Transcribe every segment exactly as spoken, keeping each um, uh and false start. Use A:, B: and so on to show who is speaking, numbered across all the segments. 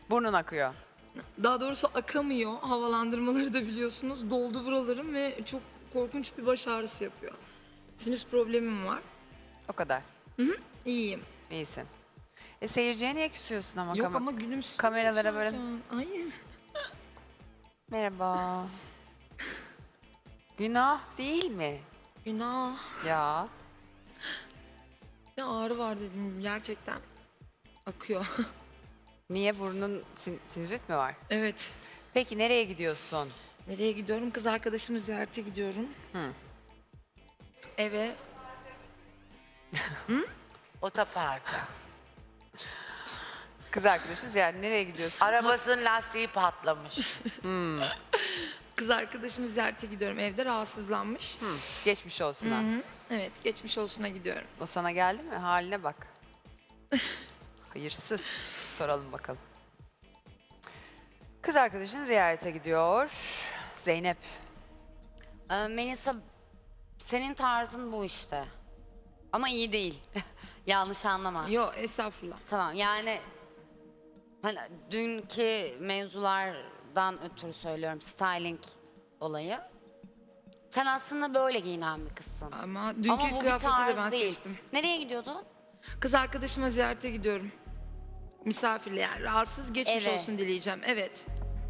A: Burnun akıyor.
B: Daha doğrusu akamıyor. Havalandırmaları da biliyorsunuz. Doldu buralarım ve çok korkunç bir baş ağrısı yapıyor. Sinüs problemim var.
A: O kadar.
B: İyiyim.
A: İyisin. E seyirciye niye küsüyorsun ama?
B: Yok
A: Kam-
B: ama gülümsüz.
A: kameralara böyle-
B: Ay.
A: Merhaba. Günah değil mi?
B: Günah.
A: Ya.
B: Ne ağrı var dedim gerçekten. Akıyor.
A: Niye burnun sin- sinüzit mi var?
B: Evet.
A: Peki nereye gidiyorsun?
B: Nereye gidiyorum? Kız arkadaşımı ziyarete gidiyorum.
A: Hı.
B: Eve.
C: Otoparka.
A: Kız arkadaşın ziyaret. Nereye gidiyorsun?
C: Arabasının lastiği patlamış.
B: Kız arkadaşımı ziyarete gidiyorum. Evde rahatsızlanmış.
A: Hı, geçmiş olsun ha.
B: Hı. Evet, geçmiş olsuna gidiyorum.
A: O sana geldi mi? Haline bak. Hayırsız. Soralım bakalım. Kız arkadaşın ziyarete gidiyor. Zeynep.
D: Ee, Melisa, senin tarzın bu işte. Ama iyi değil. Yanlış anlama.
B: Yo, estağfurullah.
D: Tamam, yani hani dünkü mevzulardan ötürü söylüyorum, styling olayı. Sen aslında böyle giyinen bir kızsın.
B: Ama dünkü
D: Ama bu bir
B: kıyafeti de
D: tarz
B: ben
D: değil.
B: seçtim.
D: Nereye gidiyordun?
B: Kız arkadaşıma ziyarete gidiyorum. Misafirle yani. Rahatsız geçmiş
D: Eve.
B: olsun dileyeceğim. Evet.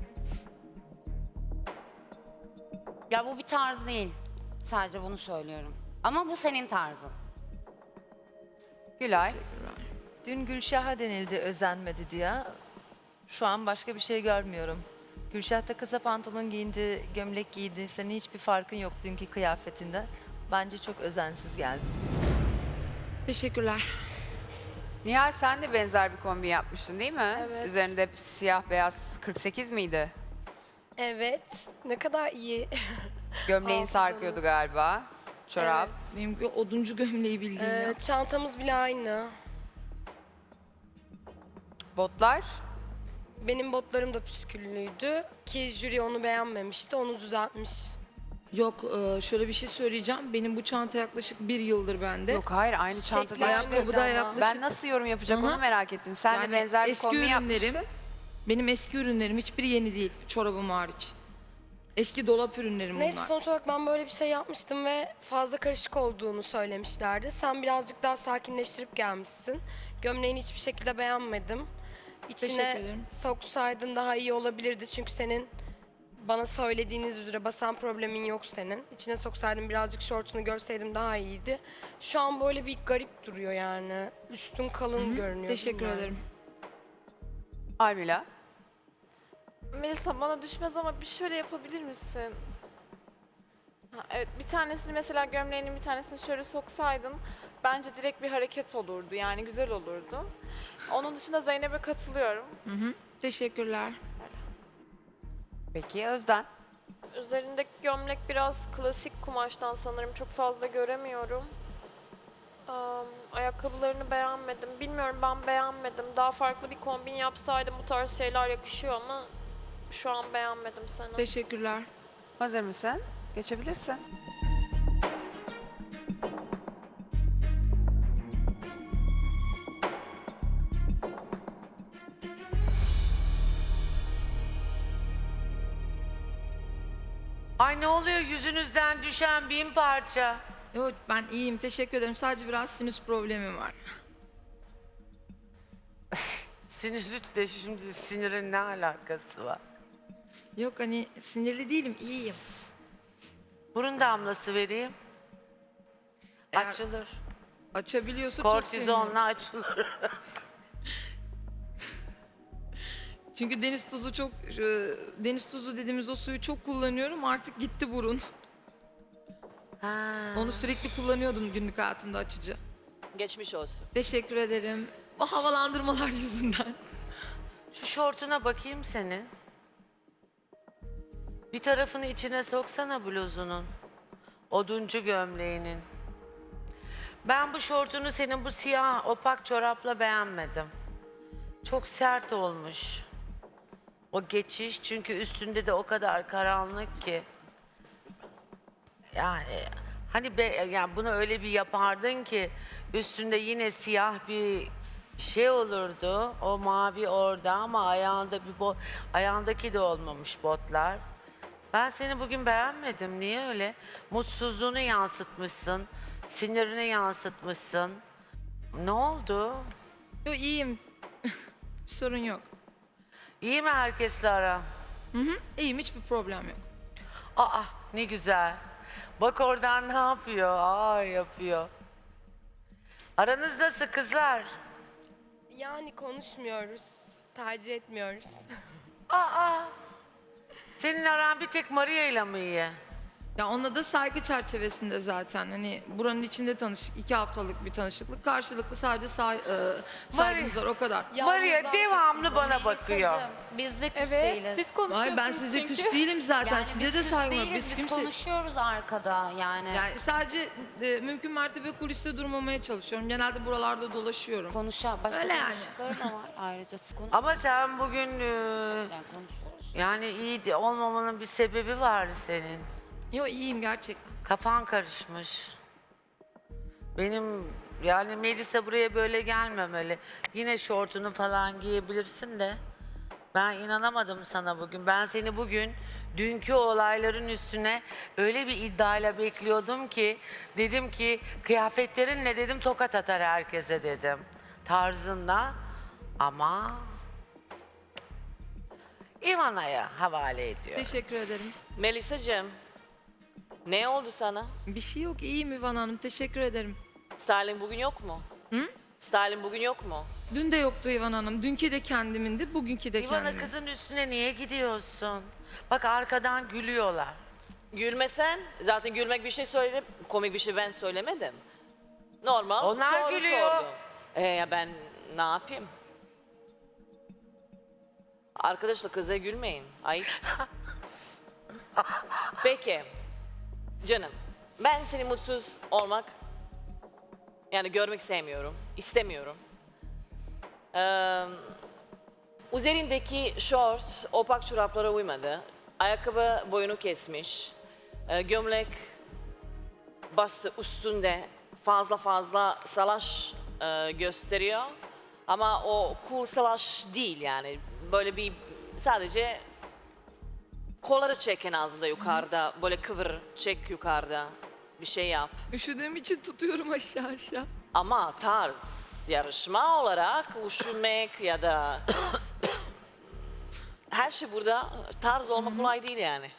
D: Ya bu bir tarz değil. Sadece bunu söylüyorum. Ama bu senin tarzın.
A: Gülay.
E: Dün Gülşah'a denildi özenmedi diye. Şu an başka bir şey görmüyorum. Gülşah da kısa pantolon giyindi, gömlek giydi. Senin hiçbir farkın yok dünkü kıyafetinde. Bence çok özensiz geldi.
B: Teşekkürler.
A: Nihal sen de benzer bir kombin yapmıştın değil mi?
F: Evet.
A: Üzerinde siyah beyaz kırk sekiz miydi?
F: Evet. Ne kadar iyi.
A: Gömleğin
F: Hafızanız.
A: sarkıyordu galiba. Çorap.
B: Benim bir oduncu gömleği bildiğin
F: Ee,
B: ya.
F: çantamız bile aynı.
A: Botlar.
F: Benim botlarım da püsküllüydü ki jüri onu beğenmemişti. Onu düzeltmiş.
B: Yok, e, şöyle bir şey söyleyeceğim. Benim bu çanta yaklaşık bir yıldır bende.
A: Yok hayır aynı
F: Şekli
A: çantada.
F: aynı.
B: Ayakkabı da
F: ama.
B: yaklaşık.
A: Ben nasıl yorum yapacak
B: Hı hı.
A: onu merak ettim. Sen
B: Yani
A: de benzer bir
B: eski
A: kombin
B: ürünlerim-
A: yapmışsın.
B: Benim eski ürünlerim hiçbiri yeni değil. Çorabım hariç. Eski dolap ürünlerim
F: Neyse
B: bunlar.
F: sonuç olarak ben böyle bir şey yapmıştım ve fazla karışık olduğunu söylemişlerdi. Sen birazcık daha sakinleştirip gelmişsin. Gömleğini hiçbir şekilde beğenmedim.
B: Teşekkür
F: İçine
B: ederim.
F: soksaydın daha iyi olabilirdi çünkü senin bana söylediğiniz üzere basan problemin yok senin. İçine soksaydın birazcık şortunu görseydim daha iyiydi. Şu an böyle bir garip duruyor yani. Üstün kalın görünüyor.
B: Teşekkür
F: bilmiyorum.
B: ederim.
A: Almila.
G: Melisa bana düşmez ama bir şöyle yapabilir misin? Ha, evet bir tanesini mesela gömleğinin bir tanesini şöyle soksaydın bence direkt bir hareket olurdu yani güzel olurdu. Onun dışında Zeynep'e katılıyorum.
B: Hı hı. Teşekkürler.
A: Peki Özden.
H: Üzerindeki gömlek biraz klasik kumaştan sanırım. Çok fazla göremiyorum. Am, ayakkabılarını beğenmedim. Bilmiyorum ben beğenmedim. Daha farklı bir kombin yapsaydım bu tarz şeyler yakışıyor ama şu an beğenmedim seni.
B: Teşekkürler.
A: Hazır mısın? Geçebilirsin.
C: Ay ne oluyor yüzünüzden düşen bin parça.
B: Yok ben iyiyim. Teşekkür ederim. Sadece biraz sinüs problemim var.
C: Sinüzitle şimdi sinirin ne alakası var?
B: Yok hani sinirli değilim. İyiyim.
C: Burun damlası vereyim.
B: Eğer
C: Açılır.
B: açabiliyorsa çok sevinirim.
C: Kortizonla açılır.
B: Çünkü deniz tuzu çok e, deniz tuzu dediğimiz o suyu çok kullanıyorum. Artık gitti burun.
C: Ha.
B: Onu sürekli kullanıyordum günlük hayatımda açıcı.
I: Geçmiş olsun.
B: Teşekkür ederim. O havalandırmalar yüzünden.
C: Şu şortuna bakayım senin. Bir tarafını içine soksana bluzunun. Oduncu gömleğinin. Ben bu şortunu senin bu siyah opak çorapla beğenmedim. Çok sert olmuş. O geçiş çünkü üstünde de o kadar karanlık ki. Yani hani be, yani bunu öyle bir yapardın ki üstünde yine siyah bir şey olurdu. O mavi orada ama ayağında bir bot, ayağındaki de olmamış botlar. Ben seni bugün beğenmedim. Niye öyle? Mutsuzluğunu yansıtmışsın. Sinirini yansıtmışsın. Ne oldu?
B: Yo iyiyim. Bir sorun yok.
C: İyi mi herkesle ara?
B: Hı hı. İyiyim, hiçbir problem yok.
C: Aa ne güzel. Bak oradan ne yapıyor? Aa yapıyor. Aranız nasıl kızlar?
F: Yani konuşmuyoruz, tercih etmiyoruz.
C: Aa. Senin aran bir tek Maria ile mi iyi?
B: Ya onunla da saygı çerçevesinde zaten. Hani buranın içinde tanıştık. iki haftalık bir tanışıklık. Karşılıklı sadece say, e, saygımız var, o kadar.
C: Maria devamlı bana bakıyor.
D: Melisacığım, Biz de küs
G: Evet,
D: değiliz.
G: siz konuşuyorsunuz
B: Hayır, ben size
G: çünkü.
B: küs değilim zaten.
D: Yani
B: Size
D: biz
B: de
D: küs
B: saygım var.
D: değiliz,
B: Biz
D: biz
B: kimse...
D: konuşuyoruz arkada yani.
B: Yani sadece e, mümkün mertebe kuliste durmamaya çalışıyorum. Genelde buralarda dolaşıyorum.
D: Konuşa, başka
B: Öyle yani.
D: konuştukları da var ayrıca. Siz konuş.
C: Ama sen bugün e,
D: Yani konuşuyoruz.
C: yani iyi de olmamanın bir sebebi var senin.
B: Yo iyiyim gerçekten.
C: Kafan karışmış. Benim yani Melisa buraya böyle gelmemeli. Yine şortunu falan giyebilirsin de. Ben inanamadım sana bugün. Ben seni bugün dünkü olayların üstüne öyle bir iddiayla bekliyordum ki dedim ki kıyafetlerinle dedim tokat atar herkese dedim. Tarzınla ama İvana'ya havale ediyor.
B: Teşekkür ederim.
I: Melisa'cığım, ne oldu sana?
B: Bir şey yok, iyiyim İvan Hanım. Teşekkür ederim.
I: Styling bugün yok mu?
B: Hı?
I: Styling bugün yok mu?
B: Dün de yoktu İvan Hanım. Dünkü de kendimindi, bugünkü de
C: İvana
B: kendimin.
C: kızın üstüne niye gidiyorsun? Bak arkadan gülüyorlar.
I: Gülmesen, zaten gülmek bir şey söyledim, komik bir şey ben söylemedim. Normal
C: Onlar
I: soru
C: gülüyor.
I: sordum. Ee, ya ben ne yapayım? Arkadaşlar kıza gülmeyin, ayıp. Peki, canım, ben seni mutsuz olmak, yani görmek sevmiyorum, istemiyorum. Ee, üzerindeki şort, opak çoraplara uymadı. Ayakkabı boyunu kesmiş. Ee, gömlek bastı üstünde fazla fazla salaş e, gösteriyor. Ama o cool salaş değil yani. Böyle bir sadece kolları çek en azından yukarıda. Böyle kıvır, çek yukarıda. Bir şey yap.
B: Üşüdüğüm için tutuyorum aşağı aşağı.
I: Ama tarz, yarışma olarak üşümek ya da her şey burada tarz olmak kolay değil yani.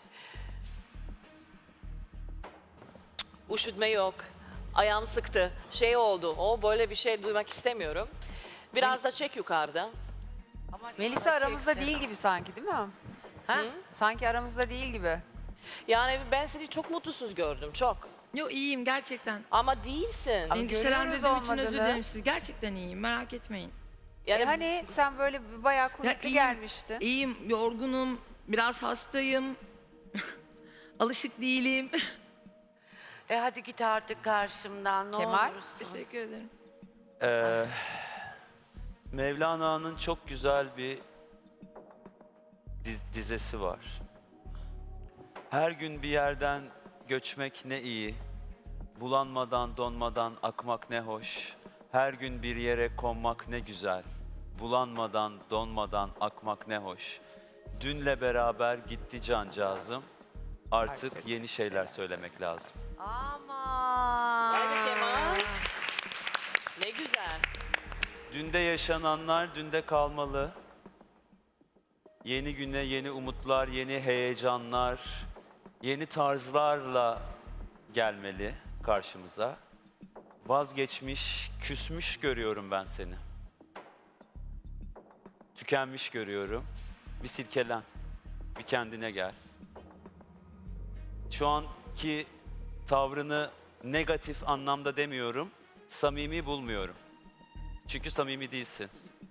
I: Üşütme yok. Ayağım sıktı. Şey oldu. O böyle bir şey duymak istemiyorum. Biraz da çek yukarıda.
A: Melisa aramızda değil gibi sanki, değil mi?
C: Ha?
A: Sanki aramızda değil gibi.
I: Yani ben seni çok mutsuz gördüm. Çok.
B: Yo iyiyim gerçekten.
I: Ama değilsin.
A: Ama
B: Endişelendirdiğim
A: görüyoruz
B: için özür
A: olmadığını.
B: dilerim siz. Gerçekten iyiyim, merak etmeyin.
I: Yani
A: E hani sen böyle bir bayağı kuvvetli
B: iyiyim,
A: gelmiştin.
B: İyiyim, yorgunum, biraz hastayım. Alışık değilim.
C: E hadi git artık karşımdan ne
A: Kemal?
C: olursun.
B: Teşekkür ederim.
J: Ee, Mevlana'nın çok güzel bir diz- dizesi var. Her gün bir yerden göçmek ne iyi, bulanmadan donmadan akmak ne hoş. Her gün bir yere konmak ne güzel, bulanmadan donmadan akmak ne hoş. Dünle beraber gitti cancağızım, artık,
A: Artık.
J: yeni şeyler söylemek lazım.
C: Aman.
I: Vay be Kemal. Ne güzel.
J: Dünde yaşananlar dünde kalmalı. Yeni güne yeni umutlar, yeni heyecanlar, yeni tarzlarla gelmeli karşımıza. Vazgeçmiş, küsmüş görüyorum ben seni. Tükenmiş görüyorum. Bir silkelen, bir kendine gel. Şu anki tavrını negatif anlamda demiyorum, samimi bulmuyorum. Çünkü samimi değilsin.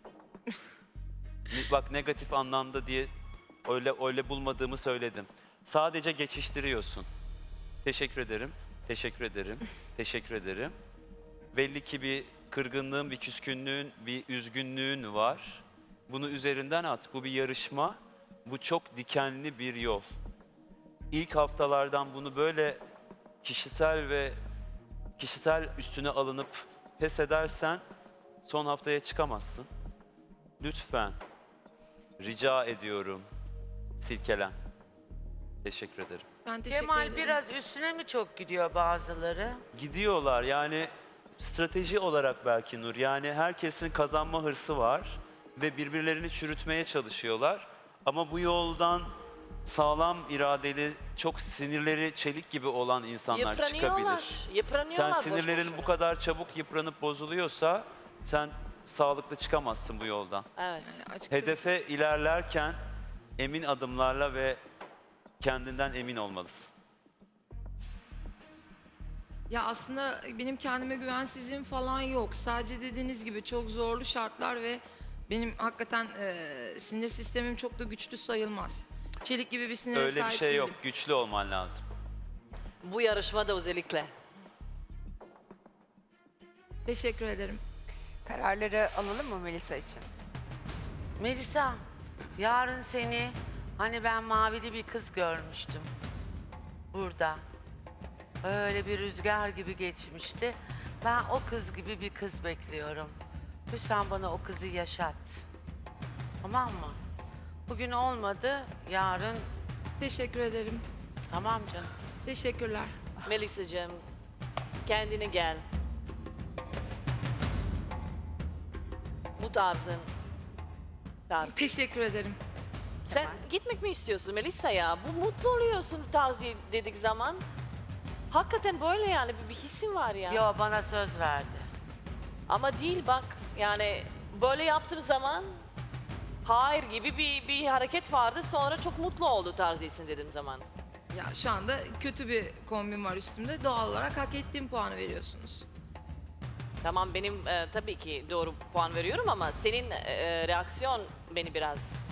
J: Ni- Bak negatif anlamda diye öyle öyle bulmadığımı söyledim. Sadece geçiştiriyorsun. Teşekkür ederim. Teşekkür ederim. Teşekkür ederim. Belli ki bir kırgınlığın, bir küskünlüğün, bir üzgünlüğün var. Bunu üzerinden at. Bu bir yarışma. Bu çok dikenli bir yol. İlk haftalardan bunu böyle kişisel ve kişisel üstüne alınıp pes edersen Son haftaya çıkamazsın. Lütfen. Rica ediyorum. Silkelen. Teşekkür ederim.
B: Ben teşekkür
C: Kemal
B: ederim.
C: biraz üstüne mi çok gidiyor bazıları?
J: Gidiyorlar yani strateji olarak belki Nur. Yani herkesin kazanma hırsı var ve birbirlerini çürütmeye çalışıyorlar. Ama bu yoldan sağlam iradeli, çok sinirleri çelik gibi olan insanlar
I: Yıpranıyorlar.
J: çıkabilir.
I: Yıpranıyorlar.
J: Sen
I: boş
J: sinirlerin
I: boşuna.
J: bu kadar çabuk yıpranıp bozuluyorsa sen sağlıklı çıkamazsın bu yoldan.
I: Evet.
B: Yani açıkçası
J: Hedefe ilerlerken emin adımlarla ve kendinden emin olmalısın.
B: ya aslında benim kendime güvensizliğim falan yok. Sadece dediğiniz gibi çok zorlu şartlar ve benim hakikaten e, sinir sistemim çok da güçlü sayılmaz. Çelik gibi bir sinire
J: Öyle bir
B: sahip
J: şey yok.
B: değilim.
J: Güçlü olman lazım.
I: Bu yarışmada özellikle.
B: Teşekkür ederim.
A: Kararları alalım mı Melisa için?
C: Melisa, yarın seni hani ben mavili bir kız görmüştüm. Burada. Öyle bir rüzgar gibi geçmişti. Ben o kız gibi bir kız bekliyorum. Lütfen bana o kızı yaşat. Tamam mı? Bugün olmadı, yarın
B: Teşekkür ederim.
C: tamam canım.
B: Teşekkürler.
I: Melisa'cığım kendine gel. Bu tarzın. Tarz.
B: Teşekkür ederim.
I: Sen gitmek mi istiyorsun Melisa ya? Bu mutlu oluyorsun tarz dedik zaman. Hakikaten böyle yani bir, bir hissin var ya.
C: Yo, bana söz verdi.
I: Ama değil bak yani böyle yaptığım zaman hayır gibi bir, bir hareket vardı sonra çok mutlu oldu tarz değilsin dediğim zaman.
B: Ya şu anda kötü bir kombin var üstümde. Doğal olarak hak ettiğim puanı veriyorsunuz.
I: Tamam benim e, tabii ki doğru puan veriyorum ama senin e, reaksiyon beni biraz